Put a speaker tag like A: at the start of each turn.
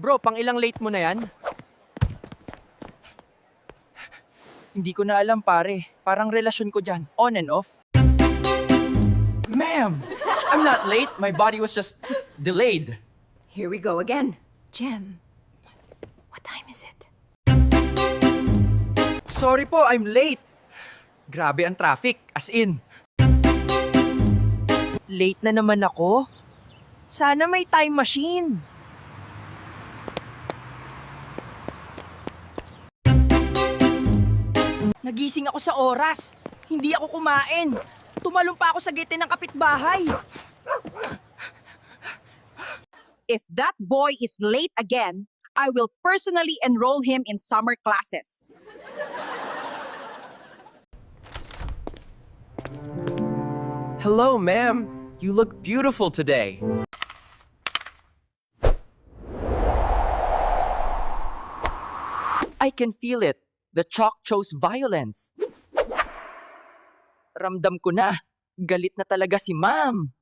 A: Bro, pang ilang late mo na yan?
B: Hindi ko na alam pare. Parang relasyon ko dyan. On and off.
A: Ma'am! I'm not late. My body was just delayed.
C: Here we go again. Jem, what time is it?
B: Sorry po, I'm late. Grabe ang traffic. As in. Late na naman ako. Sana may time machine. Nagising ako sa oras. Hindi ako kumain. Tumalong pa ako sa gate ng kapitbahay.
D: If that boy is late again, I will personally enroll him in summer classes.
A: Hello, ma'am. You look beautiful today.
B: I can feel it. The chalk chose violence. Ramdam ko na. Galit na talaga si ma'am.